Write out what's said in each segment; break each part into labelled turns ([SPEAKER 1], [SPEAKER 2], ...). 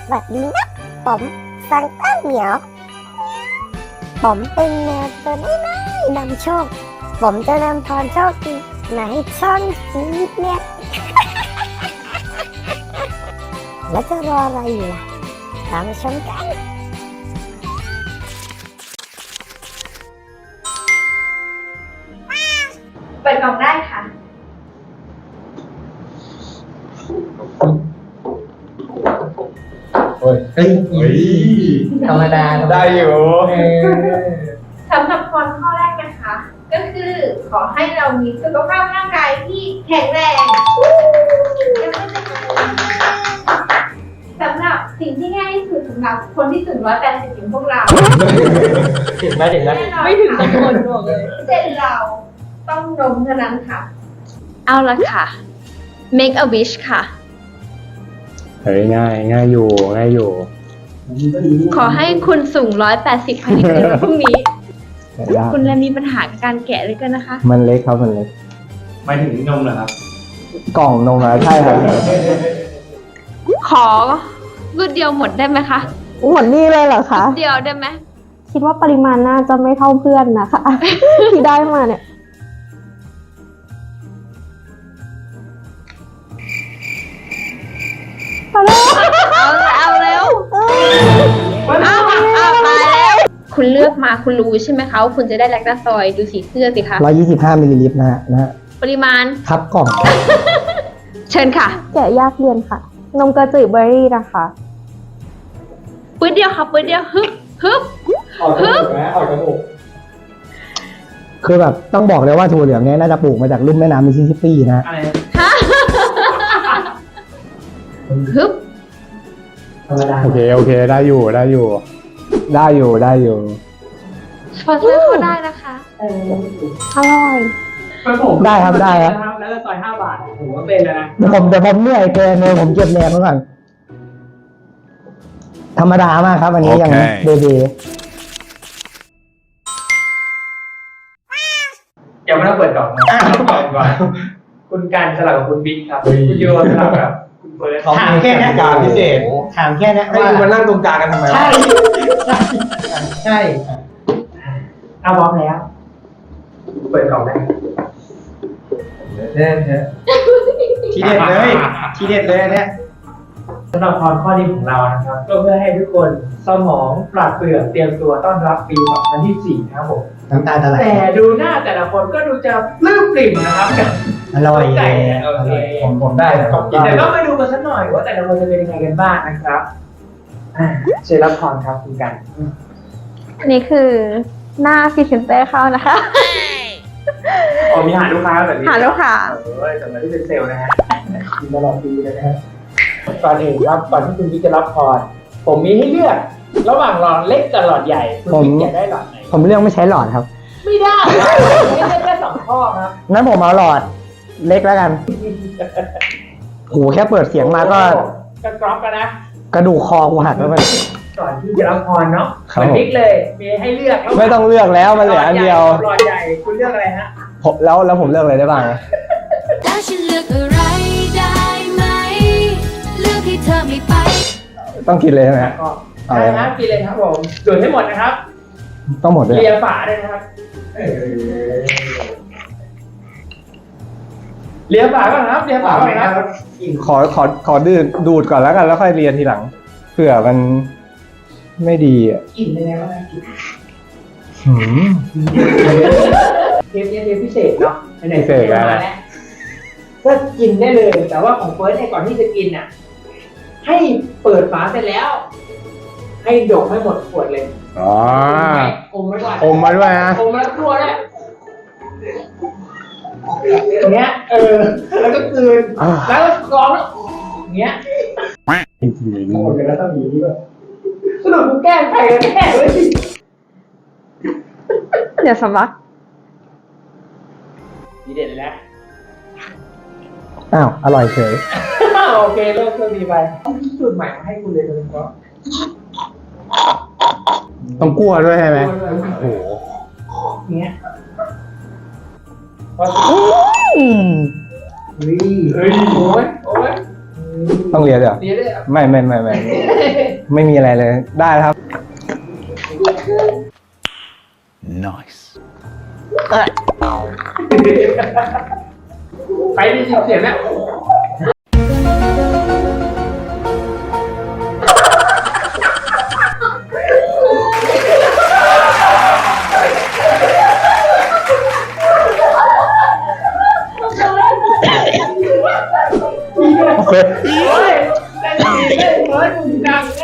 [SPEAKER 1] สวัสดีนะผมซังต้าเหมียวผมเป็นแมวตัวน้อยๆนำโชคผมจะนำพรโชคดีมาให้ช่องชีวิตเนี่ย แล้วจะรออะไรอยู่ล่ะตามมาชมกัน
[SPEAKER 2] เปิดกล่องได้ค่ะ
[SPEAKER 3] เฮ้ยธรรมดาได้อยู่
[SPEAKER 2] สำหรับพรข้อแรกนะคะ ก็คือขอให้เรามีสุขภาพร่างกายที่แข็งแรงสำหรับสิ่งที่ง่ายที่สุดสำหรับคนที่สูง180อย่างพวกเรา
[SPEAKER 3] ถึงไหม
[SPEAKER 2] ไม่ถึงสักคนบอกเลยเช่นเราต้องนมเท่านั้นค่ะ เอาละค่ะ make a wish ค่ะ
[SPEAKER 4] เฮ้ยง่ายอยู่
[SPEAKER 2] ขอให้คุณสูง180ภายในคืนวันพรุ่งนี้
[SPEAKER 4] แต่ยาก
[SPEAKER 2] คุณและมีปัญหากับการแกะเลยกันนะคะ
[SPEAKER 4] มันเล็กครับมันเล็ก
[SPEAKER 3] ไม่ถึงนมเหรอครับ
[SPEAKER 4] กล่องนมอะใช่ครับ
[SPEAKER 2] ขอรูดเดียวหมดได้ไหมคะ
[SPEAKER 5] หมดนี่เลยเหรอคะ
[SPEAKER 2] เดียวได้ไหม
[SPEAKER 5] คิดว่าปริมาณน่าจะไม่เท่าเพื่อนนะคะ ที่ได้มาเนี่ย
[SPEAKER 2] เอาเร็วเอาตายแล้ว คุณเลือกมาคุณรู้ใช่ไหมคะว่าคุณจะได้แลคตาซอยดูสีเสื้อสิคะ
[SPEAKER 4] 125มิลลิลิตรนะฮะ
[SPEAKER 2] ปริมาณ
[SPEAKER 4] ครับกล่อง
[SPEAKER 2] เชิญค่ะ
[SPEAKER 5] แกะยากเรียนค่ะ นมกระจืดเบอร์รี่นะคะ
[SPEAKER 2] ปื้ดเดียวค่ะปื้ดเดียวฮึบ
[SPEAKER 3] ออกจมูกนะออกจมูก
[SPEAKER 4] คือแบบต้องบอกเลยว่าถั่วเหลืองเนี้ยน่าจะปลูกมาจากลุ่มแม่น้ำมิสซิสซิปปีนะ
[SPEAKER 3] อะไร
[SPEAKER 2] ฮะฮึบ
[SPEAKER 3] ธรรมดา
[SPEAKER 4] โอเคได้อยู่ส
[SPEAKER 2] สปอนเซอร์เขาได้นะคะ
[SPEAKER 5] อร่อย
[SPEAKER 4] ได้ครับ
[SPEAKER 3] แล้วก็ซอย5 บาทผมว่าเป็นแล้วนะ
[SPEAKER 4] แต่ผมเหนื่อยเกินเลยผมเก็บแรงไว้ก่อนธรรมดามากครับอันนี้ยังเบเบ
[SPEAKER 3] ยังไม่ต้องเปิดกล่องนะก่อนคุณการสลับกับคุณบิ๊กครับคุณโยสลับกับคุณเฟิร์สถามแค่นี้การพิเศษถามแค่นี้ให้คุณมานั่งตรงกลางกันทำไมใช่เอาพร้อมแล้วเปิดกล่องได้ทีเด็ดเลยเนี่ยสำหรับพรข้อนี้ของเรานะครับก็เพื่อให้ทุกคนสมองปราดเปรื่องเตรียมตัวต้อนรับปี 2024 นะครับผม
[SPEAKER 4] น้ำตาจะไหล
[SPEAKER 3] แต่ดูหน้าแต่ละคนก็ดูจะปลื้มปริ่มนะครับ
[SPEAKER 4] อร่อย
[SPEAKER 3] ใจโอเค
[SPEAKER 4] ผมได้นะ
[SPEAKER 3] แต่ก็มาดูกันสักหน่อยว่าแต่ละคนจะเป็นยังไงกันบ้างนะครับเชิญรับพรครับคุณกัน
[SPEAKER 5] อันนี้คือหน้าพรีเซนเตอร์เข้านะคะ
[SPEAKER 3] อ๋อมีหาลูกค้าแบบนี้
[SPEAKER 5] หาลูกค้า
[SPEAKER 3] สำหรับที่เป็นเซลล์นะฮะกินตลอดปีเลยนะฮะก่อนอื่นครับก่อนที่คุณบิ๊กจะรับพรผมมีให้เลือกระหว่างหลอดเล็กกับหลอดใหญ่คุณบิ๊กอยากได้หลอดไหน
[SPEAKER 4] ผมเลือกไม่ใช้หลอดครับ
[SPEAKER 3] ไม่ได้ไม่ได้แค่2 ข้อครับ
[SPEAKER 4] งั้นผมเอาหลอดเล็กแล้วกันโหแค่เปิดเสียงมาก็
[SPEAKER 3] กรอบกันนะ
[SPEAKER 4] กระดูกคอกูหักแล้วมัน
[SPEAKER 3] ก่อนที่จะรับพรเนาะ
[SPEAKER 4] ครับ
[SPEAKER 3] เหมือนบิ๊กเลยมีให้เลือก
[SPEAKER 4] ไม่ต้องเลือกแล้วมันเหลืออันเดียว
[SPEAKER 3] หลอดใหญ่คุณเลือกอะไรฮะ
[SPEAKER 4] ผมแล้วผมเลือกอะไรได้บ้าง
[SPEAKER 6] แล้วฉันเลือกอะไรได้ไหม เลือกให้เธอไม่ไป
[SPEAKER 4] ต้องกินเลยใช่ไหมฮะ
[SPEAKER 3] ก็ได้นะกินเลยครับผมดูดให้หมดนะครับ
[SPEAKER 4] ต้องหมดเลย
[SPEAKER 3] เลียฝาด้วยนะครับเลียฝาก่อนครับเลียฝาก่อนครับ
[SPEAKER 4] ขอดูดก่อนแล้วกันแล้วค่อยเรียนทีหลังเผื่อมันไม่ดีอ่ะ
[SPEAKER 3] กินเลยนะว่ากิน
[SPEAKER 4] หืม
[SPEAKER 3] เทปนี้เทปพิเศษเนาะไหนๆ
[SPEAKER 4] พิเศษแล้ว
[SPEAKER 3] มาแล้วก็กินได้เลย แต่ว่าของเฟิร์สเนี่ยก่อนที่จะกินน่ะ ให้เปิดฝาเสร็จแล้ว ให้ดกให้หมดขวดเลย
[SPEAKER 4] อ๋อ
[SPEAKER 3] อมไว้ก่อน
[SPEAKER 4] อมมาด้วยนะ
[SPEAKER 3] อมแล้วกลัวด้วยอย่างเงี้ยแล้วก็กลืนแล้วก็กรองแล้วอย่างเงี้ยหมดกันแล้วต้องมีนี่ด้วยสรุปกูแกล้งใครกันแน่เลย
[SPEAKER 5] เดี๋ยวสำลัก
[SPEAKER 3] ดีเด็ดเลยนะ
[SPEAKER 4] อ้าวอร่อยเฉย
[SPEAKER 3] โอเคเลิกเครื่องดีไปสูตรใหม่มาให้คุณเลยเลยก็
[SPEAKER 4] ต้องกลัวด้วยใช่ไหมโอ้โห
[SPEAKER 3] เงี้ย
[SPEAKER 4] อืม
[SPEAKER 3] เฮ้ยโอ้ย
[SPEAKER 4] ต้องเรียนด้วยเหรอ
[SPEAKER 3] เรียนเลยเหรอ
[SPEAKER 4] ไม่มีอะไรเลยได้แล้วครับ
[SPEAKER 7] Nice.
[SPEAKER 3] ไปได้ยินเสียงแล้ว
[SPEAKER 4] โอเค
[SPEAKER 3] เฮ้ยได้ยินได้เฮ้ยมึงดังแน่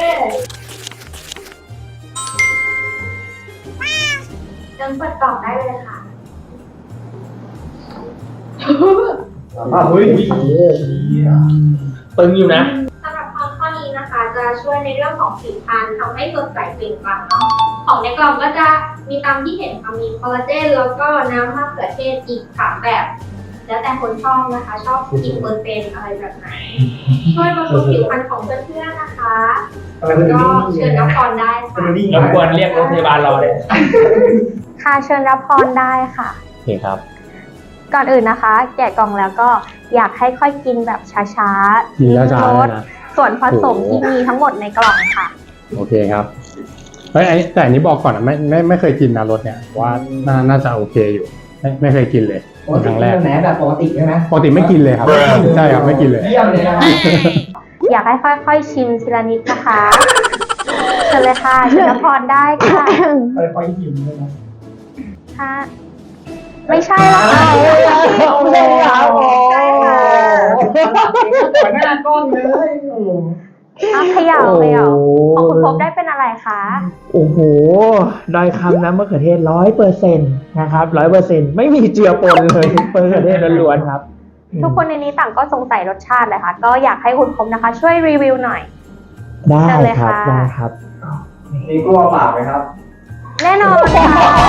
[SPEAKER 2] เดินเปิดกล่องได้เลยค่ะ
[SPEAKER 3] เฮ้ยตึงอยู่นะ
[SPEAKER 2] สำหรับข้อนี้นะคะ จะช่วยในเรื่องของผิวพรรณทำให้สดใสเปล่งปลั่งเนาะของในกล่องก็จะมีตามที่เห็นค่ะมีคอลลาเจนแล้วก็น้ำมะเขือเทศอีก3แบบ แล้วแต่คนชอบนะคะ ชอบกี่เปอร์เซ็นต์อะไรแบบไหน ช่วยบำรุงผิวพรรณของเพื่อนๆนะคะ
[SPEAKER 3] อะไรมัน
[SPEAKER 2] ก็เชิญรับพรได้ค่ะ
[SPEAKER 3] รบกวนเรียกรถพยาบาลรอเลย
[SPEAKER 5] ค่ะเชิญรับพรได้ค่ะ
[SPEAKER 4] โอเคครับ
[SPEAKER 5] ก่อนอื่นนะคะ แกะกล่องแล้วก็อยากให้ค่อยกินแบบช้าๆ
[SPEAKER 4] กินช้าๆ
[SPEAKER 5] ล
[SPEAKER 4] เลย
[SPEAKER 5] ด
[SPEAKER 4] นะ
[SPEAKER 5] ส่วนผสมที่มีทั้งหมดในกล่องค่ะ
[SPEAKER 4] โอเคครับเฮ้ยแต่อันนี้บอกก่อนนะไม่เคยกินนะรสเนี่ยว่าน่าจะโอเคอยู่ ไม่เคยกินเลยครั้งแรก
[SPEAKER 3] ไหนแบบปกติใช่ไหม
[SPEAKER 4] ปกติไม่กินเลยครับใช่ครับไม่กินเลย
[SPEAKER 3] เยี่ยมเลยนะ
[SPEAKER 5] อยากให้ค่อยๆชิมทีละนิดนะคะเชิญเลยค่ะเชิญรับพรได้ค่ะ
[SPEAKER 3] คอยหิวเลยนะ
[SPEAKER 5] ค่ะไม่ใช่แล้วค่ะ
[SPEAKER 3] ไม่ใช่ครับโอ้
[SPEAKER 5] ใช่ค่ะ
[SPEAKER 3] หัวหน้ากล้องเลย
[SPEAKER 5] เอาเขย่าของคุณพบได้เป็นอะไรคะ
[SPEAKER 3] โอ้โหดอยคำน้ำมะเขือเทศ100%นะครับ100%ไม่มีเจือปนเลยมะเขือเทศล้วนๆครับ
[SPEAKER 5] ทุกคนในนี้ต่างก็สงสัยรสชาติเลยค่ะ ก็อยากให้คุณพบนะคะ ช่วยรีวิวหน่อย
[SPEAKER 3] ได้
[SPEAKER 5] เชิญเลย
[SPEAKER 3] ครับ
[SPEAKER 5] ค่ะ
[SPEAKER 3] ได้ครับ
[SPEAKER 4] มีกลัวปากไหมครับ
[SPEAKER 5] แน่นอนค่ะ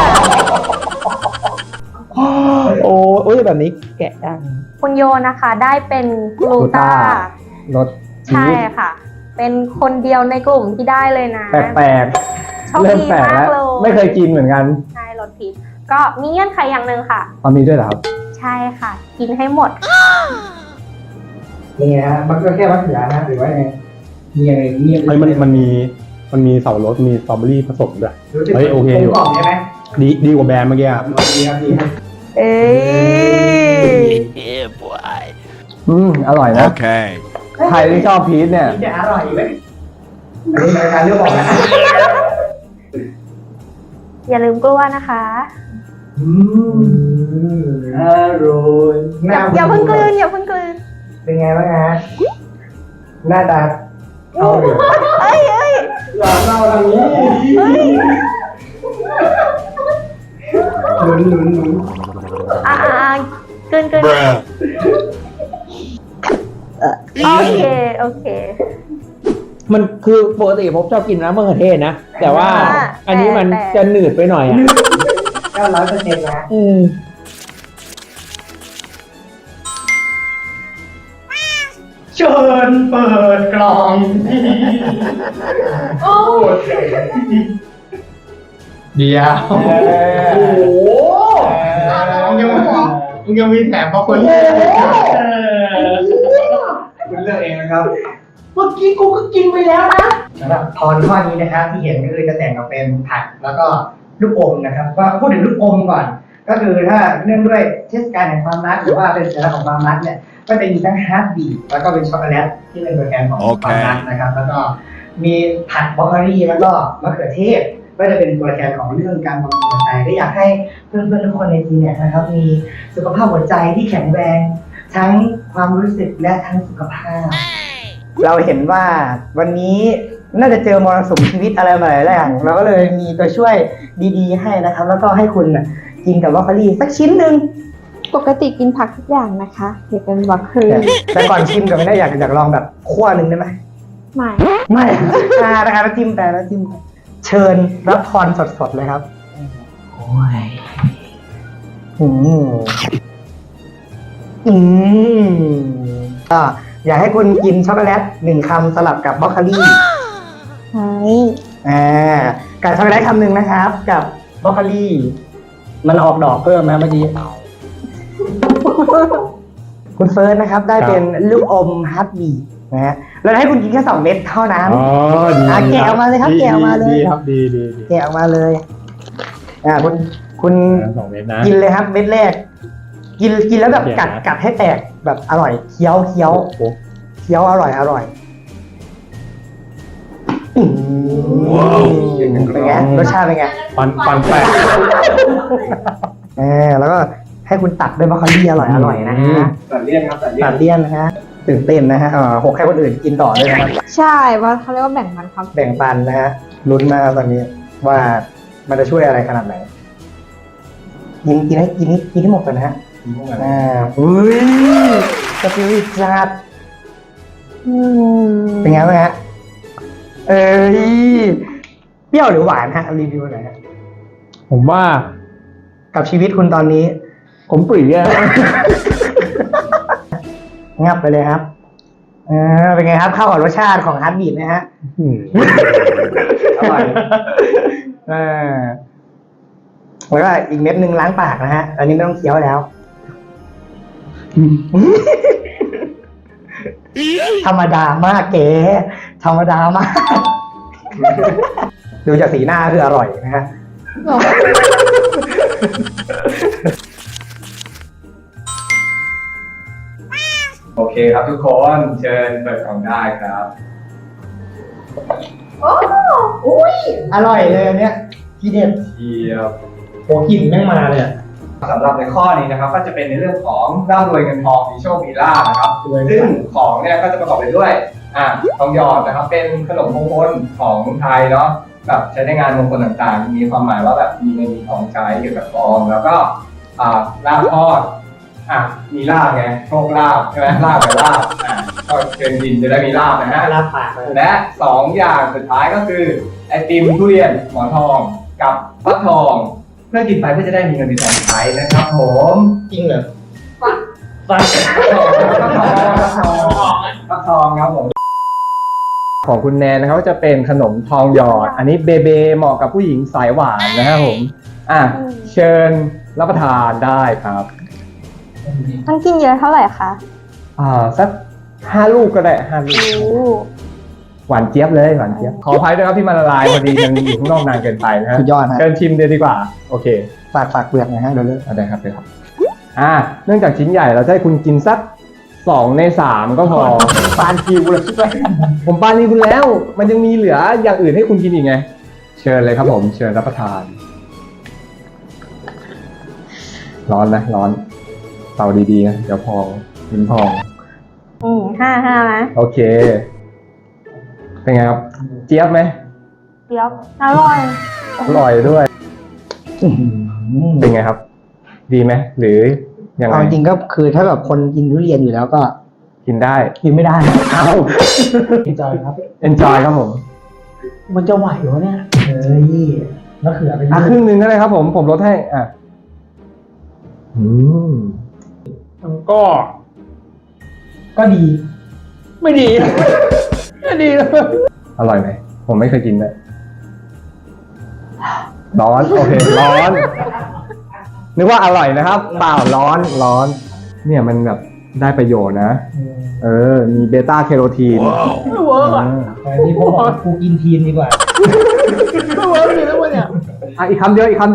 [SPEAKER 3] โอ้ยแบบนี้แกะได้
[SPEAKER 5] คุณโยนะคะได้เป็นกลูต้าร
[SPEAKER 4] ส
[SPEAKER 5] ใช่ค่ะ เป็นคนเดียวในกลุ่มที่ได้เลยนะ
[SPEAKER 4] แปลก
[SPEAKER 5] โชค
[SPEAKER 4] ๆเริ่ม
[SPEAKER 5] ดี
[SPEAKER 4] แปลก
[SPEAKER 5] มาก
[SPEAKER 4] แล้ว
[SPEAKER 5] เลย
[SPEAKER 4] ไม่เคยกินเหมือนกัน
[SPEAKER 5] ใช่รสพิษก็มีเงื่อนไขอย่างหนึ่งค่ะ
[SPEAKER 4] ตอนนี้ด้วยเหรอครับ
[SPEAKER 5] ใช่ค่ะ กินให้หมด
[SPEAKER 3] นี่ฮะมันก็แค่มะเขือนะหรือว่าไงมีอะไรมี
[SPEAKER 4] เฮ้ยมันมีเสารสมีสตรอเบอรี่ผสมด้วย เฮ้ยโอเคอยู่
[SPEAKER 3] กล่องใช่ไหม
[SPEAKER 4] ดีกว่าแบรนด์เมื่อกี้ครับ
[SPEAKER 3] ดีครับดีครับ
[SPEAKER 5] เอ้ย
[SPEAKER 7] Yeah, boy.
[SPEAKER 4] อร่อยนะ
[SPEAKER 7] Okay.
[SPEAKER 4] ใครที่ชอบพีชเนี่ย
[SPEAKER 3] นี่จะอร่อยไหมอันนี้รายการเรื่องบอกนะ
[SPEAKER 5] อย่าลืมกลัวนะคะ
[SPEAKER 3] อร่อย
[SPEAKER 5] อย่าเพิ่งกลืนอย่าเพิ่งกลืน
[SPEAKER 3] เป็นไงบ้างฮะหน้าตาเอาเลย
[SPEAKER 5] เอ้ย
[SPEAKER 3] หลอนเราอะไรนี้หนุน
[SPEAKER 5] กลืน
[SPEAKER 7] Bruh.
[SPEAKER 5] โอเค
[SPEAKER 3] มันคือปกติผมชอบกินน้ำมะเขือเทศนะ แต่ว่า อันนี้มันจะหนืดไปหน่อยอ่ะ900%นะเชิญเปิดกล่อง เดี๋ยวโอ้โหมึงยังมีแถมเพราะคนที่คุณเลือกเองนะครับ เมื่อกี้กูก็กินไปแล้วนะสำหรับพรข้อนี้นะครับที่เห็นก็คือจะแต่งกับเป็นผักแล้วก็ลูกอมนะครับก็พูดถึงลูกอมก่อน ก็คือถ้าเนื่องด้วยเทศกาลแห่งความรักหรือว่าเป็นสัญลักษณ์ของความรักเนี่ยก็จะมีทั้งฮาร์ดบีทแล้วก็เป็นช็อกโกแลตที่เป็นตัวแทนของความรักนะครับ แล้วก็มีผักบรอกโคลีแล้วก็มะเขือเทศก็จะเป็นตัวแทนของเรื่องการบำรุงหัวใจก็อยากให้เพื่อนๆทุกคนในทีมเนี่ยนะครับมีสุขภาพหัวใจที่แข็งแรงทั้งความรู้สึกและทั้งสุขภาพ เราเห็นว่าวันนี้น่าจะเจอมรสุมชีวิตอะไรมาหลายอย่างเราก็เลยมีตัวช่วยดีๆให้นะครับ แล้วก็ให้คุณกินกับบรอกโคลีสักชิ้นหนึ่ง
[SPEAKER 5] ปกติกินผักทุกอย่างนะคะอย่าเป็นบรอกโคลี
[SPEAKER 3] แต่ก่อนชิมกับไม่ได้อยากลองแบบคั่วหนึ่งได้ไหม
[SPEAKER 5] ไม่
[SPEAKER 3] ไม่นะคะแล้วจิ้มแต่แล้วจิ้มเชิญรับพรสดๆเลยครับโอ้ยก็อยากให้คุณกินช็อกโกแลต1 คำสลับกับบรอกโคลี
[SPEAKER 5] ใช่
[SPEAKER 3] กับช็อกโกแลตคำหนึ่งนะครับ กับบรอกโคลีมันออกดอกเพิ่มนะเมื่อกี้ คุณเฟิร์สนะครับ ได้เป็นลูกอมฮัตบี
[SPEAKER 8] นะฮะเราให้คุณกินแค่2 เม็ดเท่านั้น
[SPEAKER 4] อ๋อดี
[SPEAKER 8] แกะออกมาเลยครับแกะออกมาเลย
[SPEAKER 4] ดีครับดี
[SPEAKER 8] แกะออกมาเลยคุณ
[SPEAKER 4] 2 เม็ดนะ
[SPEAKER 8] กินเลยครับเม็ดแรก กินแล้วแบบกัดให้แตกแบบอร่อยเคี้ยวอร่อยเป็นไงรสชาติเป็นไง
[SPEAKER 4] ฟันแปะ
[SPEAKER 8] แล้วก็ให้คุณตัดด้วยบรอกโคลีอร่อยนะฮะ
[SPEAKER 3] ตัดเลี่ยนครับตัดเลี่ย
[SPEAKER 8] ตั
[SPEAKER 3] น
[SPEAKER 8] ดเลี่ยนนะฮะตื่นเต้นนะฮะหกให้คนอื่นกินต่อด้วยนะครับ
[SPEAKER 5] ใช่เพราะเขาเรียกว่าแบ่งปันความ
[SPEAKER 8] แบ่งปันนะฮะลุ้นมากตอนนี้ว่ามันจะช่วยอะไรขนาดไหนกินให้หมดก่อนนะฮะอุ้ยสปิริตจัดเป็นไงบ้างฮะเปรี้ยวหรือหวานฮะรีวิวหน่อยฮะ
[SPEAKER 4] ผมว่า
[SPEAKER 8] กับชีวิตคุณตอนนี้
[SPEAKER 4] ผมปรีอะ
[SPEAKER 8] งับไปเลยครับเป็นไงครับเข้ากับรสชาติของฮาร์ดบีทนะฮะอร่อยแล้วก็อีกเม็ดนึงล้างปากนะฮะอันนี้ไม่ต้องเคี้ยวแล้วธรรมดามากเก๋ธรรมดามากดูจากสีหน้าคืออร่อยนะฮะ
[SPEAKER 3] โอเคครับทุกคนเชิญเปิดกล่องได้ครับ
[SPEAKER 8] อร่อยเลยอันเนี้ยทีเด็ด
[SPEAKER 3] เทียบ
[SPEAKER 8] โหกลิ่นแม่งมาเลยอะ
[SPEAKER 3] สำหรับในข้อนี้นะครับ ก็จะเป็นในเรื่องของร่ำรวยเงินทองมีโชคมีลาภนะครับ ซึ่งของเนี่ยก็จะประกอบไปด้วยทองหยอดนะครับ เป็นขนมมงคลของไทยเนาะแบบใช้ในงานมงคลต่างๆ มีความหมายว่าแบบมีเงินมีทองใช้เกี่ยวกับทองแล้วก็ลาภทอดมีลาภไงโชคลาภใช่ไหมลาภกับลาภก็เชิญยินจะได้มีลาภนะฮะ
[SPEAKER 8] ลาบปากเลย
[SPEAKER 3] และ2 อย่างสุดท้ายก็คือไอติมทุเรียนหมอนทองกับฟักทอง เพื่อกินไปเพื่อจะได้มีเงินมีทองใช้นะครับผม
[SPEAKER 8] จริงเหรอ
[SPEAKER 3] ฟักทองครับผมของคุณแนนนะครับจะเป็นขนมทองหยอด อันนี้เบเบเหมาะกับผู้หญิงสายหวานนะครับผมเชิญรับประทานได้ครับ
[SPEAKER 5] ต้องกินเยอะเท่าไหร่คะ
[SPEAKER 3] สัก5 ลูกก็ได้5 ลูก หวานเจี๊ยบเลยหวานเจี๊ยบขออภัยด้วยครับที่มันละลายพอดีมันอยู่ข้างนอกนานเกินไปนะฮะ
[SPEAKER 8] สุดยอดฮะ
[SPEAKER 3] เชิญชิมเลยดีกว่าโอเค
[SPEAKER 8] ฝากเปลือกหนะฮะเดี๋ยวเลิก
[SPEAKER 3] ได้ครับได้ครับเนื่องจากชิ้นใหญ่เราจะให้คุณกินสัก2 ใน 3ก็พอ
[SPEAKER 8] ปานคิวเลยใช่ไหม
[SPEAKER 3] ผมปานีคุณแล้วมันยังมีเหลืออย่างอื่นให้คุณกินอีกไงเชิญเลยครับผมเชิญรับประทานร้อนนะร้อนเตาดีๆนะเดี๋ยวพองลิ้นพอง
[SPEAKER 5] 5 นะ
[SPEAKER 3] โอเคเป็นไงครับเจี๊ยบไหม
[SPEAKER 5] เดี๋ยวอร่อย
[SPEAKER 3] อร่อยด้วยเป็นไงครับ ดีไหมหรือยังไง
[SPEAKER 8] เอาจริงก็คือถ้าแบบคนกินทุเรียนอยู่แล้วก็
[SPEAKER 3] กินได้
[SPEAKER 8] กินไม่ได้เอาenjoy ครับ
[SPEAKER 3] enjoy ครับผม
[SPEAKER 8] มันจะไหวเหรอเนี่ยมะเขือเป็น
[SPEAKER 3] ครึ่งนึงก็ได้ครับผมลดให้
[SPEAKER 4] ก็
[SPEAKER 8] ดี
[SPEAKER 4] ไม่ดี ไม่ดีเลย
[SPEAKER 3] อร่อยไหมผมไม่เคยกินเลยร้อนโอเคร้อนนึกว่าอร่อยนะครับเปล่าร้อนเนี่ยมันแบบได้ประโยชน์นะมีเบต้าแคโรทีน
[SPEAKER 4] ไม่เวิร์กอ่ะ
[SPEAKER 8] แต่ที่ผมบอกกูกินทีนดีกว่า
[SPEAKER 4] ไม่เวิร์กเลยนะวันเนี้ย
[SPEAKER 3] อีกคำเดียว
[SPEAKER 8] คำ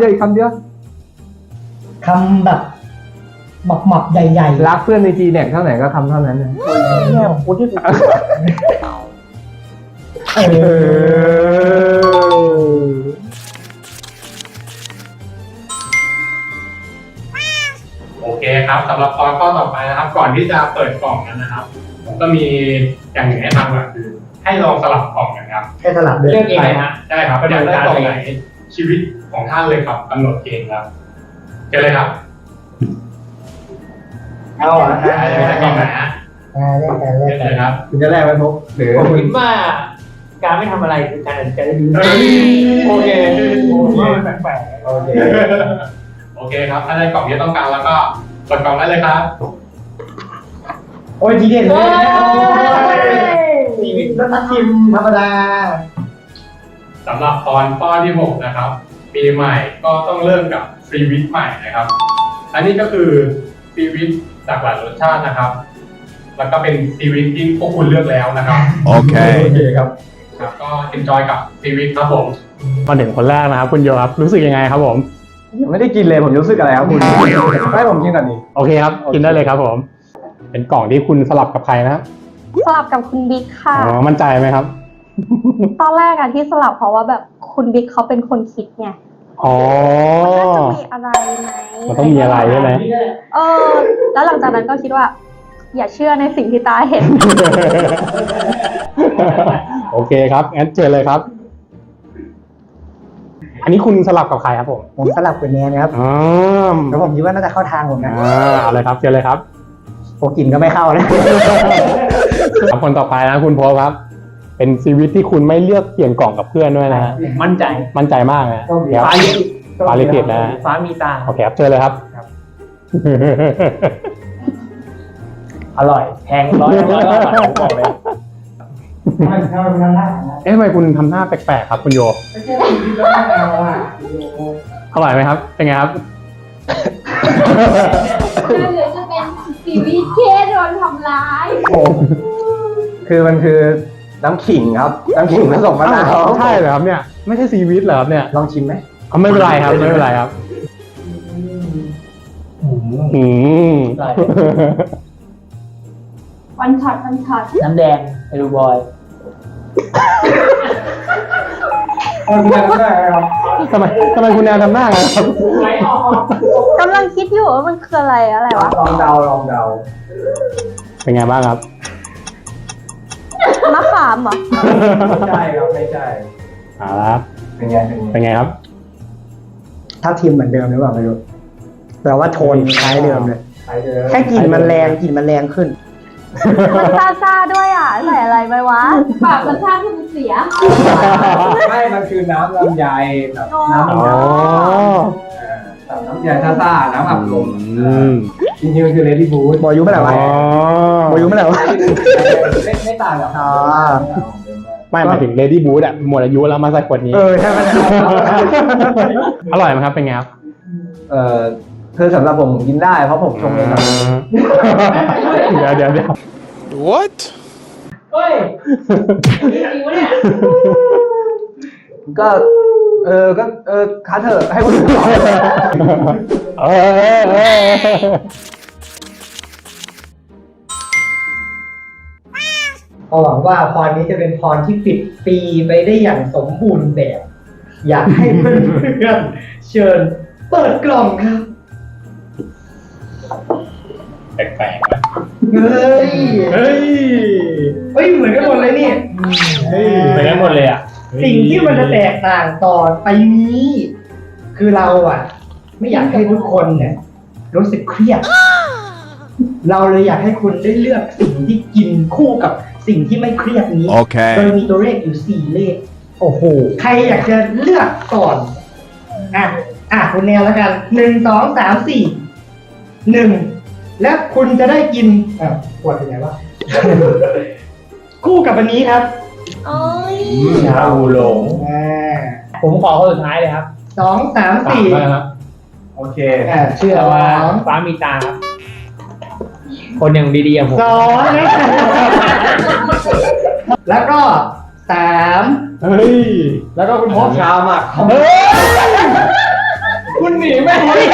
[SPEAKER 8] แบบหมับใหญ่ๆ
[SPEAKER 3] รักเพื่อนในจีเน็กเท่าไหร่ก็คำเท่านั้นนะ
[SPEAKER 8] เนี่ยของกูที่สุด
[SPEAKER 4] โอเคครับสำหรับข้อต่อไปนะครับ ก่อนที่จะเปิดกล่องกันนะครับผมก็มีอย่างหนึ่งให้ทำก่อนคือ ให้ลองสลับกล่องกันครับ
[SPEAKER 8] ให้สลับด้วย
[SPEAKER 4] เลือกเองนะใช่ครับอยากได้กล่องไหนชีวิตของท่านเลยครับกำหนดเองครับเจอเลยครับ
[SPEAKER 8] เอาอ่ะ
[SPEAKER 4] ได้กล่องไหนฮะ
[SPEAKER 8] เล่นกัน
[SPEAKER 4] เจอเลยครับ
[SPEAKER 3] คุณจะแรกไหมทุกหรือ
[SPEAKER 8] ผมคิดว่าการไม่ทำอะไรคือการตัดสินใจได้ดี
[SPEAKER 4] โอเค
[SPEAKER 8] แปลก
[SPEAKER 3] โอเค
[SPEAKER 4] โอเคครับถ้าได้กล่องที่ต้องการแล้วก็เปิดกล่องได้เลยครับ
[SPEAKER 8] โอ้ยทีเด็ดเลยชีวิตนักชิมธรรมดา
[SPEAKER 4] สำหรับตอนข้อที่ 6 นะครับ ปีใหม่ก็ต้องเริ่มกับฟรีวิทใหม่นะครับ อันนี้ก็คือฟรีวิทจากหลายรสชาตินะครับแล้วก็เป็นชีวิตที่พวกคุณเลือกแล้วนะครับ
[SPEAKER 7] โอเค
[SPEAKER 4] ครับครับก็เอนจอยกับชีวิตครับผมมาถึงคนแรกนะครับคุณโยครับรู้สึกยังไงครับผม
[SPEAKER 3] ไม่ได้กินเลยผมรู้สึกอะไรครับคุณให้ผมกินก่อนดิ
[SPEAKER 4] โอเคครับกินได้เลยครับผมเป็นกล่องที่คุณสลับกับใครนะครับ
[SPEAKER 5] สลับกับคุณบิ๊กค่ะ
[SPEAKER 4] อ๋อมั่นใจไหมครับ
[SPEAKER 5] ตอนแรกอะที่สลับเพราะว่าแบบคุณบิ๊กเขาเป็นคนคิดไง
[SPEAKER 4] อ๋อ
[SPEAKER 5] มันน่าจะมีอะไรไหม
[SPEAKER 4] มันต้องมีอะไรใช่ไหม
[SPEAKER 5] แล้วหลังจากนั้นก็คิดว่า อย่าเชื่อในสิ่งที่ตาเห็น
[SPEAKER 4] โอเคครับงั้นเจอเลยครับ อันนี้คุณสลับกับใครครับผม
[SPEAKER 8] ผมสลับกับแนนนะครับ
[SPEAKER 4] อ๋อ
[SPEAKER 8] แล้วผมคิดว่าน่าจะเข้าทางผมนะ
[SPEAKER 4] เอาเลยครับเจอเลยครับ
[SPEAKER 8] โอ้กลิ่นก็ไม่เข้าเลย
[SPEAKER 4] ครับคนต่อไปนะคุณโพสครับ เป็นชีวิตที่คุณไม่เลือกเปลี่ยนกล่องกับเพื่อนด้วยนะฮะ
[SPEAKER 3] มั่นใจ
[SPEAKER 4] มั่นใจมากนะ
[SPEAKER 3] ฟ้าลิ
[SPEAKER 4] ฟ้าลิขิตนะฮะ
[SPEAKER 3] ฟ้ามีตา
[SPEAKER 4] โอเคครับเจอเลยครับ
[SPEAKER 3] อร่อยแพงร้อยก็อร่อยผมบอกเลย
[SPEAKER 4] เอ๊ะทำไมคุณทำหน้าแปลกๆครับคุณโยอร่อยไหมครับ เป็นไงครับ
[SPEAKER 2] หรือจะเป็นชีวิตเคสโดนทำร้าย
[SPEAKER 3] คือมันคือน้ำขิงครับ น้ำขิงผสมมะนาว
[SPEAKER 4] ใช่เหรอครับเนี่ย ไม่ใช่ซีวิตเหรอครับเนี่ย
[SPEAKER 3] ลองชิมไหม
[SPEAKER 4] เอาไม่เป็นไรครับไม่เป็นไรครับอืม
[SPEAKER 2] วันช็อต
[SPEAKER 3] น้ำแดงไอรูบอย
[SPEAKER 4] ทำไมคุณแนวทำหน้าไงครับ
[SPEAKER 5] กำลังคิดอยู่ว่ามันคืออะไรวะ
[SPEAKER 3] ลองเดา
[SPEAKER 4] เป็นไงบ้างครับ
[SPEAKER 5] มะขามเหรอ
[SPEAKER 3] ไม่ใช่ครับไม่ใช่
[SPEAKER 4] เอาละครับ
[SPEAKER 3] เป็นไง
[SPEAKER 4] เป็นไงครับ
[SPEAKER 8] ถ้าทีมเหมือนเดิมหรือเปล่าไม่รู้แต่ว่าโทนคล้ายเดิมเลย
[SPEAKER 3] ไปเลย
[SPEAKER 8] แค่กลิ่นมันแรงขึ้น
[SPEAKER 5] มันซ่าๆด้วยอ่ะ ใส่อะไรไปวะ
[SPEAKER 2] ปากรสชาติที่มันเสีย
[SPEAKER 3] ไม่มันคือน้ำลำไยแบบน้ำ
[SPEAKER 4] อ๋อ
[SPEAKER 3] แบบน้ำยาซ่าๆน้ำอัดลม
[SPEAKER 4] อืม
[SPEAKER 3] จริงๆมันคือเลดี้บูธ
[SPEAKER 8] บอยุไม่ไหนวะ บอยุไม่ไหนวะ
[SPEAKER 3] ไม่ต่างกับ
[SPEAKER 8] อ๋อ
[SPEAKER 4] ไม่หมายถึง Lady Boot อะหมดอายุแล้วมาใส่ขวดนี้
[SPEAKER 8] ใช่ไหม
[SPEAKER 4] อร่อยไหมครับ เป็นไงครับ
[SPEAKER 3] คือสำหรับผมกินได้เพราะผมชงเองครับ
[SPEAKER 4] เดี๋ยว
[SPEAKER 7] What
[SPEAKER 3] เฮ้ย ก็คัดเถอะให้คนอื่นต่อ
[SPEAKER 8] หวังว่าพรนี้จะเป็นพรที่ปิดปีไปได้อย่างสมบูรณ์แบบ อยากให้เพื่อนๆเชิญเปิดกล่องครับ
[SPEAKER 4] แปลกๆนะ
[SPEAKER 8] เฮ้ย
[SPEAKER 4] เฮ้ย
[SPEAKER 8] เหมือนกันหมดเลยนี่
[SPEAKER 4] ไปกันหมดเลยอ่ะ
[SPEAKER 8] สิ่งที่มันจะแตกต่างต่อไปนี้ คือเราไม่อยากให้ทุกคนเนี่ยรู้สึกเครียด เราเลยอยากให้คุณได้เลือกสิ่งที่กินคู่กับสิ่งที่ไม่เครียดนี้
[SPEAKER 7] Okay
[SPEAKER 8] โดยมีตัวเลขอยู่4เลข โอ้โห ใครอยากจะเลือกก่อน คุณแนวแล้วกัน1 2 3 4 1 และคุณจะได้กินปวดเป็นไงวะ คู่กับอันนี้ครับ
[SPEAKER 2] โอ้ย
[SPEAKER 3] ชาบูหลงผมขอคนสุดท้ายเลยครับ
[SPEAKER 8] 2 3 4
[SPEAKER 4] ครับ
[SPEAKER 3] โอเค
[SPEAKER 8] เชื่อ
[SPEAKER 3] แต่
[SPEAKER 8] ว่า
[SPEAKER 3] ว่าฟ้ามีตาครับ คนอย่างดีๆอย่างผม
[SPEAKER 8] 2นะแล้วก็3
[SPEAKER 4] เฮ้ย
[SPEAKER 3] แล้วก็คุณพบชาหมัก
[SPEAKER 8] คุณหนีไม่พ้น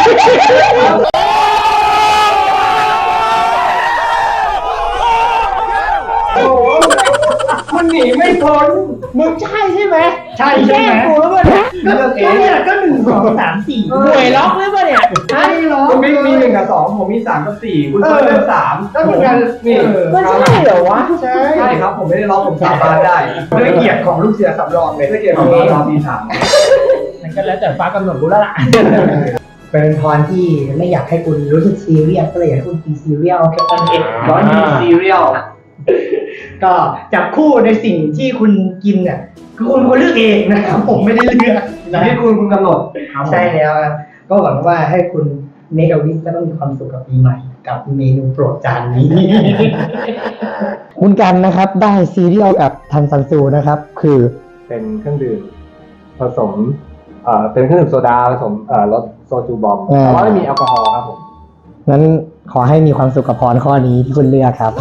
[SPEAKER 8] คุณหนีไม่พ้นมึงใช่ใช่ไหมใช่ใช่ไหมกูแล้วเนี่ยก็เนี่ยก็1 2 3 4
[SPEAKER 3] หวยล็อกหรือเปล่าเนี่ย
[SPEAKER 8] ใช่หรอ
[SPEAKER 3] คุณบิ๊กมี1 กับ 2ผมมี3 กับ 4คุณเฟิร์นเลือก3
[SPEAKER 8] ก็เหมือนกัน
[SPEAKER 3] นี่
[SPEAKER 8] มันใช่เหรอวะใช่
[SPEAKER 3] ใช่ครับผมไม่ได้ล็อกผมสาบานได้
[SPEAKER 8] ด้วยเกียรติของลูกเสือสำรองเลย
[SPEAKER 3] ไม่เกี่ยวกับตอนตี3
[SPEAKER 8] มันก็แล้วแต่ฟ้ากำหนดกูแล้วล่ะ เป็นพรที่ไม่อยากให้คุณรู้สึกซีเรียสก็เลยอยากให้คุณกินซีเรียลแค่ตอนนี้
[SPEAKER 3] ร้อนมีซีเรียล
[SPEAKER 8] ก็จับคู่ในสิ่งที่คุณกินเนี่ยคือคุณเลือกเองนะครับผมไม่ได้เลือก
[SPEAKER 3] ชีวิตคุณกำหนด
[SPEAKER 8] ใช่แล้วครับก็หวังว่าให้คุณเมกาวิสก็ต้องมีความสุขกับปีใหม่กับเมนูโปรดจานนี้ คุณกันนะครับได้ซีเรียลกับทันซันซูนะครับ คือ
[SPEAKER 3] เป็นเครื่องดื่มผสมเป็นเครื่องดื่มโซดาผสมรสโซจูบอมแต่ว่าไม่มีแอลกอฮอล์ครับผม
[SPEAKER 8] งั้นขอให้มีความสุขกับพรข้อนี้ที่คุณเลือกครับ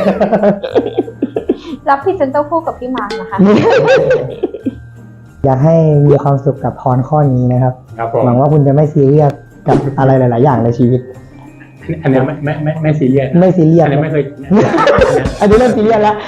[SPEAKER 5] รับพรีเซนเตอร์คู่กับพี่มาร์คนะคะ
[SPEAKER 8] อยากให้มีความสุขกับพรข้อนี้นะครับ
[SPEAKER 4] ครับผม
[SPEAKER 8] หวังว่าคุณจะไม่ซีเรียสกับอะไรหลาย ๆ อย่างในชีวิต
[SPEAKER 4] อันนี้ไม่ซีเรียส
[SPEAKER 8] ไม่ซีเรียส
[SPEAKER 4] อันนี้ไม่เคย
[SPEAKER 8] อันนี้เริ่มซีเรียสแล้ว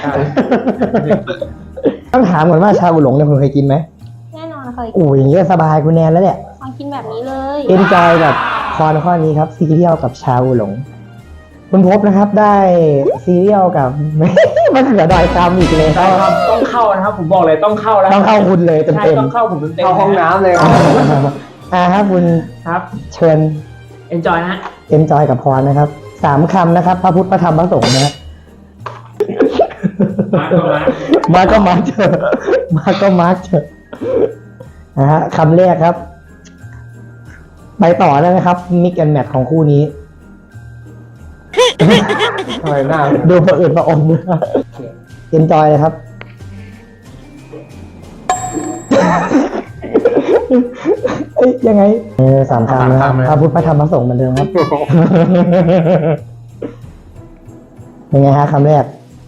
[SPEAKER 8] ต้องถามก่อนว่าชาบูหลงเนี่ยคุณเคยกินไหม
[SPEAKER 5] แน่นอนเคย
[SPEAKER 8] โอ้ยอย่างนี้ก็สบายคุณแนนแล้วแหละ
[SPEAKER 5] ลองกินแบบนี้เลย
[SPEAKER 8] เอ็นจอยกับพรข้อนี้ครับซีเรียลกับชาบูหลง คุณพบนะครับได้ซีเรียลกับ มันเสือดอยคำอีกเลย
[SPEAKER 3] ใช่ครับต้องเข้านะครับผมบอกเลยต้องเข้าแล้ว
[SPEAKER 8] ต้องเข้าคุณเลยเต็ม
[SPEAKER 3] ใช่
[SPEAKER 8] เต็ม
[SPEAKER 3] ต้องเข้าผมเต็มๆ
[SPEAKER 9] เข้าห้องน้ำเลย
[SPEAKER 8] ครับคุณ
[SPEAKER 3] ครับ
[SPEAKER 8] เชิญ
[SPEAKER 3] enjoy นะฮะ
[SPEAKER 8] เอ็นจอยกับพรนะครับ3 คำนะครับ พระพุทธพระธรรมพระสงฆ์นะฮะ มาก็มาเถอะมาก็มาเถอะนะฮะคำแรกครับ ไปต่อได้ไหมครับมิกแอนแมทของคู่นี้
[SPEAKER 9] ทำไมหน้า
[SPEAKER 8] ดูประอื่นประอมเอ็นจอยเลยครับ เอ้ยยังไง3 คำนะครับพระพุทธพระธรรมพระสงฆ์เหมือนเดิมครับ ยังไงฮะคำแรก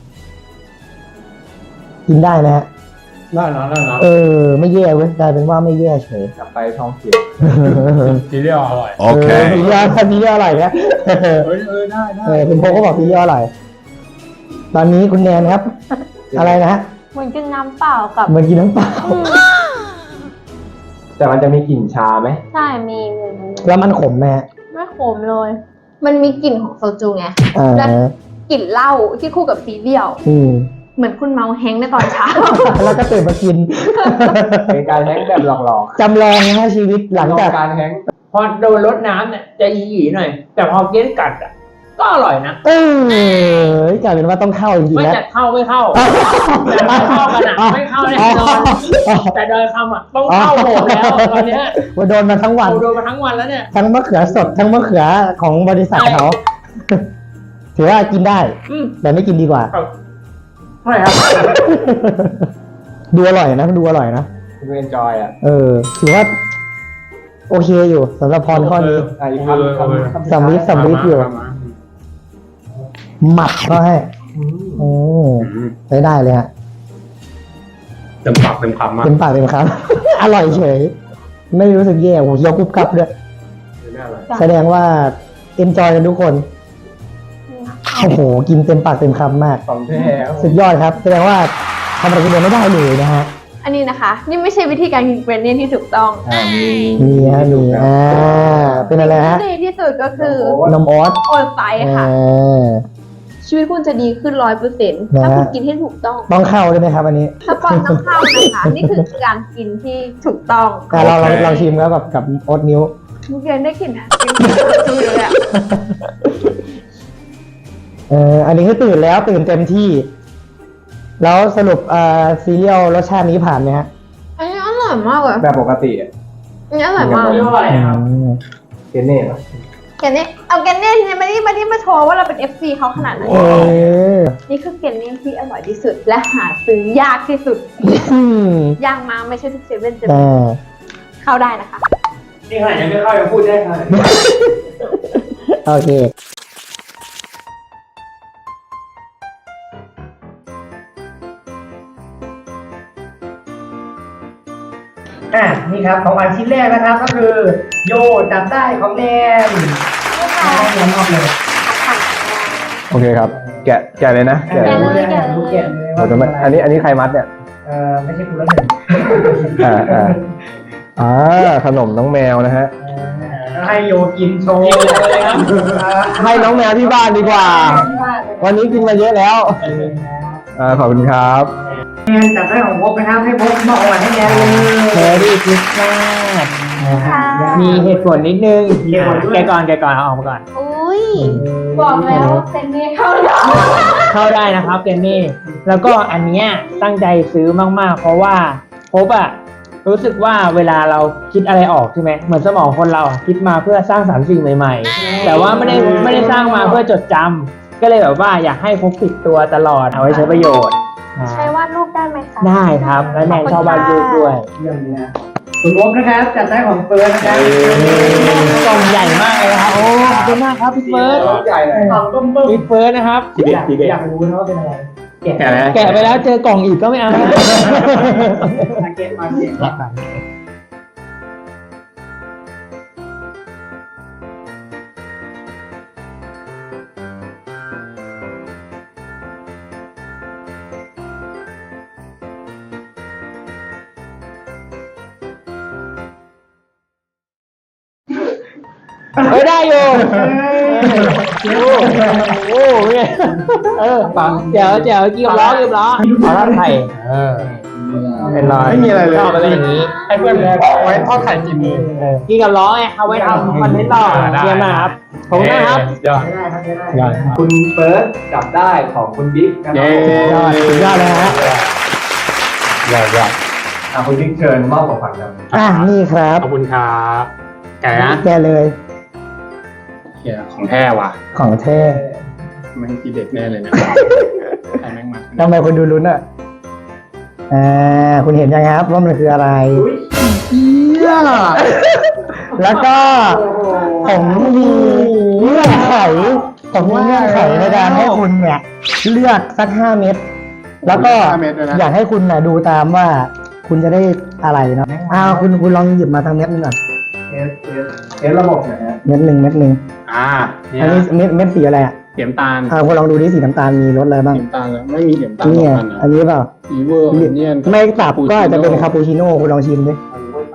[SPEAKER 8] กินได้นะฮะ
[SPEAKER 4] ได้เนาะ
[SPEAKER 8] ไม่แย่เว้ยกลายเป็นว่าไม่แย่เฉย
[SPEAKER 9] กลับไปท้องเสีย
[SPEAKER 4] ซีเรียลอร่อย
[SPEAKER 8] ซีเรียลซีเรียลอร่อยนะ
[SPEAKER 4] ได้
[SPEAKER 8] คุณโพก็บอกซีเรียลอร่อย ตอนนี้คุณแนนครับ อะไรนะฮะ
[SPEAKER 5] เหมือนกินน้ำเปล่ากับ
[SPEAKER 8] เหมือนกินน้ำเปล่า
[SPEAKER 9] แต่มันจะมีกลิ่นชาไหม
[SPEAKER 5] ใช่มี
[SPEAKER 8] แล้วมันขมไหมฮะ
[SPEAKER 5] ไม่ขมเลย มันมีกลิ่นของโซจูไง
[SPEAKER 8] อ่า
[SPEAKER 5] และกลิ่นเหล้าที่คู่กับซีเรียล เหมือนคุณเมาแฮงค์ในตอนเช้า
[SPEAKER 8] แล้วก็ตื่นมากิน
[SPEAKER 9] เป็นการแฮงก์แบบหลอก
[SPEAKER 8] จำลองนะฮะชีวิต
[SPEAKER 9] ๆ
[SPEAKER 8] หลังจาก
[SPEAKER 9] การแฮงก์
[SPEAKER 3] พอโดนรดน้ำเนี่ยจะอีหยีหน่อย แต่พอเกี้ยนกัดอ่ะก็อร่อยนะ
[SPEAKER 8] กลายเป็นว่าต้องเข้าจริงๆ
[SPEAKER 3] ไม่
[SPEAKER 8] แล้ว
[SPEAKER 3] จะเข้าไม่เข้าแต่ไม่เข้ากันอ่ะไม่เข้าแน่นอนแต่โดยคำอ่ะต้องเข้าโหมแล้วตอนเนี้ย
[SPEAKER 8] ว่าโดนมาทั้งวัน
[SPEAKER 3] โดนมาทั้งวันแล้วเนี่ย
[SPEAKER 8] ทั้งมะเขือสดทั้งมะเขือของบริษัทเขา ถือว่ากินได้
[SPEAKER 3] อืม
[SPEAKER 8] แต่ไม่กินดีกว่า
[SPEAKER 3] ใช่ครับ
[SPEAKER 8] ดูอร่อยนะดูอร่อยนะ
[SPEAKER 9] คุณเอนจอยอ่ะ
[SPEAKER 8] ถือว่า โอเคอยู่สำหรับพรข้อนี้
[SPEAKER 9] อีกคำ
[SPEAKER 8] สำลิดอยู่ หมัดก็ให้ใช้ได้เลยฮะ
[SPEAKER 4] เต็มปากเต็มคำมาก
[SPEAKER 8] เต็มปากเต็มคำ อร่อยเฉย ไม่รู้สึกแย่โอ้โหเคี้ยวกรุบกรับด้วยแสดงว่าเอนจอยกันทุกคน โอ้โห กินเต็มปากเต็มคำมาก
[SPEAKER 9] ของแท้
[SPEAKER 8] สุดยอดครับ แสดงว่าทำอะไรคนเดียวไม่ได้เลยนะฮะ
[SPEAKER 5] อันนี้นะคะ นี่ไม่ใช่วิธีการกินเกรนเนียนที่ถูกต้อง
[SPEAKER 8] มีฮะมีเป็นอะไรฮะ
[SPEAKER 5] ที่ดีที่สุดก็คือน
[SPEAKER 8] มออส
[SPEAKER 5] โอไซค่ะ ชีวิตคุณจะดีขึ้น100%ถ้าคุณกินให้ถูกต้อง
[SPEAKER 8] ต้องเข้าใช่ไหมครับอันนี้
[SPEAKER 5] ถ้าปอนต้องเข้านะคะ นี่คือการกินที่ถูกต้อง
[SPEAKER 8] เราชิมแล้วกับโอ๊ตนิ้ว
[SPEAKER 5] มุกเย็นได้กลิ่นจูเลยอ่ะ
[SPEAKER 8] อันนี้คือตื่นแล้วตื่นเต็มที่ แล้วสรุปซีเรียลรสชาตินี้ผ่านไหมฮะ
[SPEAKER 5] อันนี้อร่อยมากเลย
[SPEAKER 9] แบบปกติอ่ะ
[SPEAKER 5] อันนี้อร่อยมาก
[SPEAKER 3] เรียกว่าอะไรครับ
[SPEAKER 9] เกเน่ป่ะ
[SPEAKER 5] แกนเน่เอาแกนเน่ที่มาโชว์ว่าเราเป็น FC เขาขนาดไหน นี่คือแกนเน่ที่อร่อยที่สุด และหาซื้อยากที่สุด ยากมากไม่ใช่ทุกเซเว่นจะมีเข้าได้นะคะ
[SPEAKER 3] นี่ขนาดยังไม่เข้ายังพูดได้ขนาดนี้
[SPEAKER 8] โอเค นี่ครับของอันชิ้นแรกนะครับ ก็คือ โยจับได้ของแนนแนนออกเลย
[SPEAKER 9] โอเคครับ แกะเลยนะ
[SPEAKER 5] แกะเลย
[SPEAKER 8] รู้แกะเลย
[SPEAKER 9] โอ้แต่ไม่อันนี้ใครมัดเนี่ย
[SPEAKER 8] ไม่ใช่กูแล้วหนึ่ง
[SPEAKER 9] ขนมน้องแมวนะฮะ
[SPEAKER 8] ให้โยกินโชว์
[SPEAKER 3] เลยครับ
[SPEAKER 9] ให้น้องแมวที่บ้านดีกว่า วันนี้กินมาเยอะแล้ว ขอบคุณครับ
[SPEAKER 8] แนนจับได้ของพบนะครับให้พบมาอ่อนให้แนนเลย
[SPEAKER 3] แฮร์รี่คริสต์มาสมีเหตุผลนิดนึงแกก่อนเอาออกมาก่อน
[SPEAKER 5] อุ้ยบอกแล้วแกนเน่เข้าได้
[SPEAKER 3] เข้าได้นะครับเกนนี่แล้วก็อันเนี้ยตั้งใจซื้อมากๆ เพราะว่าพบอะรู้สึกว่าเวลาเราคิดอะไรออกใช่ไหมเหมือนสมองคนเราอะคิดมาเพื่อสร้างสรรค์สิ่งใหม่ๆ แต่ว่าไม่ได้สร้างมาเพื่อจดจำก็เลยแบบว่าอยากให้พกติดตัวตลอดเอาไว้ใช้ประโยชน์
[SPEAKER 5] ใช้วาดรูปได้ไหมคะ
[SPEAKER 3] ได้ครับและแนนชอบวาดรูปด้วย
[SPEAKER 8] เรื่องนี้นะคุณวบนะครับจัดได้ของเฟิร์สนะครับกล่องใหญ่มากเลยนะครับโอ้ขอบคุณมากครับพี่เฟิร์ส
[SPEAKER 3] ใหญ่เลย
[SPEAKER 8] กล่องต้มพี่เฟิร์สนะครับอยากรู้นะว่าเป็นอะไรแกะไปแล้วเจอกล่องอีกก็ไม่เอามาเก็ตไม่ได้อยู่โอ้โหปังเจ๋วกี่ล้อขอทอดไข่เป็นไรไม่มีอะไรเลยชอบอะไรอย่างนี้ให้เพื่อนไว้ทอดไข่กินกินกับล้อไงเอาไว้ทำคอนเทนต์ต่อเยี่ยมมากครับผมนะครับยอด
[SPEAKER 3] คุณเฟิร์สจับได้ของคุณบิ๊กนะครับ
[SPEAKER 8] สุดยอดเลยฮะ
[SPEAKER 4] ยอด
[SPEAKER 3] คุณบิ๊กเชิญมอบของขวัญครับ
[SPEAKER 8] นี่ครับ
[SPEAKER 4] ขอบคุณครับแกนะ
[SPEAKER 8] แกเลย
[SPEAKER 4] เฮียของแท้ว่ะ
[SPEAKER 8] ของเท่
[SPEAKER 4] ไม่ให้ทีเด็ดแน่เลยนะใครแม่งมา
[SPEAKER 8] ทำไมคนดูลุ้นอ่ะคุณเห็นยังครับว่ามันคืออะไรแล้วก็ผมมีเงื่อนไขในการให้คุณเนี่ยเลือกสัก5 เม็ดแล้วก็อยากให้คุณน่ะดูตามว่าคุณจะได้อะไรเนาะคุณลองหยิบมาทางเม็ดนึงก่อน
[SPEAKER 3] เอสระบบนะฮะ
[SPEAKER 8] เม็ดหนึ่ง
[SPEAKER 4] เนี่ย
[SPEAKER 8] อันนี้เม็ดสีอะไรอ่ะ
[SPEAKER 4] เสียมตาล
[SPEAKER 8] คุณลองดูดิสีน้ำตาลมีรสอะไรบ้าง
[SPEAKER 4] เสียมตาลเลยไม่มีเสียมตาล
[SPEAKER 8] นี่
[SPEAKER 4] กันนะ
[SPEAKER 8] อันนี้เปล่า
[SPEAKER 4] อีเวอร์เนียน
[SPEAKER 8] ไม่ตับก็อาจจะเป็นคาปูชิโน่คุณลองชิมดิ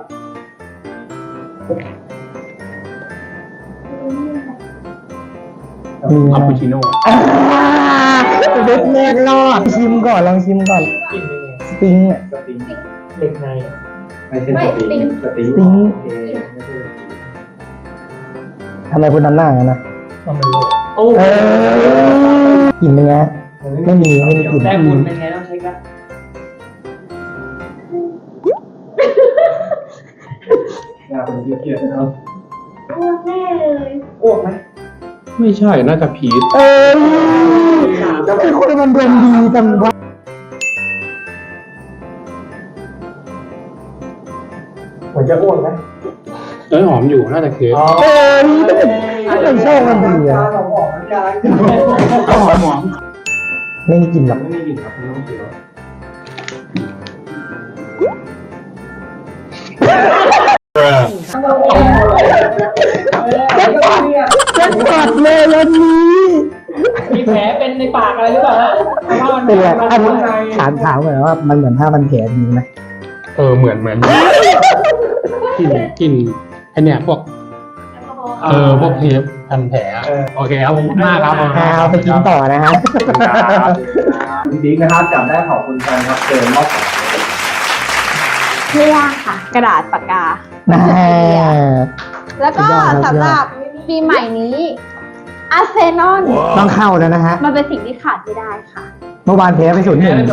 [SPEAKER 4] คาปูชิโน่
[SPEAKER 8] เล็กแรกรอดชิมก่อนลองชิมก่อนสปริงอ่ะ
[SPEAKER 3] เด็กในไม่ใช่สติง
[SPEAKER 8] สปริงทำไมคุณทำหน้าอย่างนั้นนะกลิ่นเป็นไงไม่มีกลิ่น
[SPEAKER 3] แต่คุณเป็นไงต้องเช็คนะคุณเกียรตินะครับ
[SPEAKER 2] อ้วกแน่เลย
[SPEAKER 3] อ้วกไหม
[SPEAKER 4] ไม่ใช่น่าจะพีช
[SPEAKER 8] จะเป็นคนมันดวงดีจังวะผมจะอ้วกไหม
[SPEAKER 4] หอมอยู่น่าจะเค้ก
[SPEAKER 8] ไม่ชอบมันดีอ่ะ
[SPEAKER 4] หอม
[SPEAKER 8] ไม่มีกลิ่นหรอก
[SPEAKER 3] ไม่มีกลิ่นครับคุณต้องเขียว
[SPEAKER 8] จะกัดเลยวันนี้
[SPEAKER 3] มีแผลเป็นในปากอะไรหรือเปล่าฮะ
[SPEAKER 8] เป็นไรอันนี้ถามเหมือนว่ามันเหมือนผ้าพันแผลจริงไหม
[SPEAKER 4] เหมือนกลิ่นไอเนี่ยพวกพวกเทปพันแผลโอเคครับผมมากครับ
[SPEAKER 8] เอาไปกินต่อนะครับ
[SPEAKER 3] คุณบิ๊กนะครับจับได้ของคุณกันครับเชิญมอบของ
[SPEAKER 5] ไม่ยากค่ะ กระดาษปากกา แล้วก็สำหรับปีใหม่นี้อาร์เซนอล
[SPEAKER 8] ต้องเข้าแล้วนะฮะ
[SPEAKER 5] มันเป็นสิ่งที่ขาดไม่ได้ค่ะ
[SPEAKER 8] เมื่อวานแพ้ไป0-1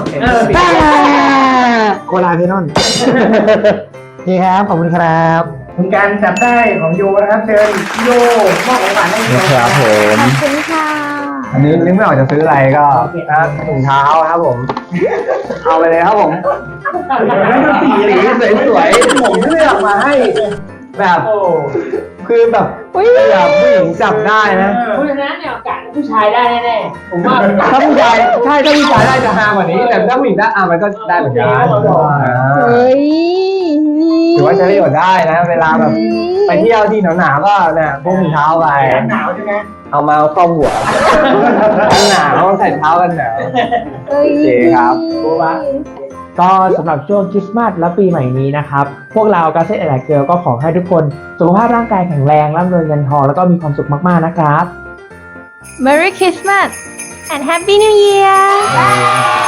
[SPEAKER 8] โคลาเพนอนนี่ครับขอบคุณครับคุณการจับได้ของโยนะครับเชิญโยมอบของขวัญให้โย
[SPEAKER 9] ครับผม
[SPEAKER 5] ขอบคุณค่ะ
[SPEAKER 8] อันนี้นึกไม่ออกจะซื้ออะไรก็ถุงเท้าครับผม เอาไปเลยครับผมสีสวยๆผมเลือกมาให้แบบคือแบบแบบผู้หญิงจับได้นะ
[SPEAKER 3] เพราะฉะนั้นเนี่ยกะผู้ชายได้แน่ๆผมว่า
[SPEAKER 8] ถ้าผู้ชายใช่ถ้าผู้ชายได้จะฮากว่านี้ แต่ถ้าผู้หญิงได้มันก็ได้เหมือนกัน
[SPEAKER 5] เฮ้ย
[SPEAKER 8] ถือว่าใช้ประโยชน์ได้นะ เวลาแบบไปเที่ยวที่หนาวๆก็เนี่ยพวกถุงเท้าไปหนาวใช่ไหมเอามาครอบหัวหนาวใส่เท้ากันหนาว
[SPEAKER 5] เฮ้ย
[SPEAKER 8] โอเคครับ
[SPEAKER 10] ก็สำหรับช่วงคริสต์มาสและปีใหม่นี้นะครับ พวกเรากาเซ่แอนด์เกิร์ลก็ขอให้ทุกคนสุขภาพร่างกายแข็งแรงร่ำรวยเงินทองแล้วก็มีความสุขมากๆนะครับ
[SPEAKER 5] Merry Christmas and Happy New Year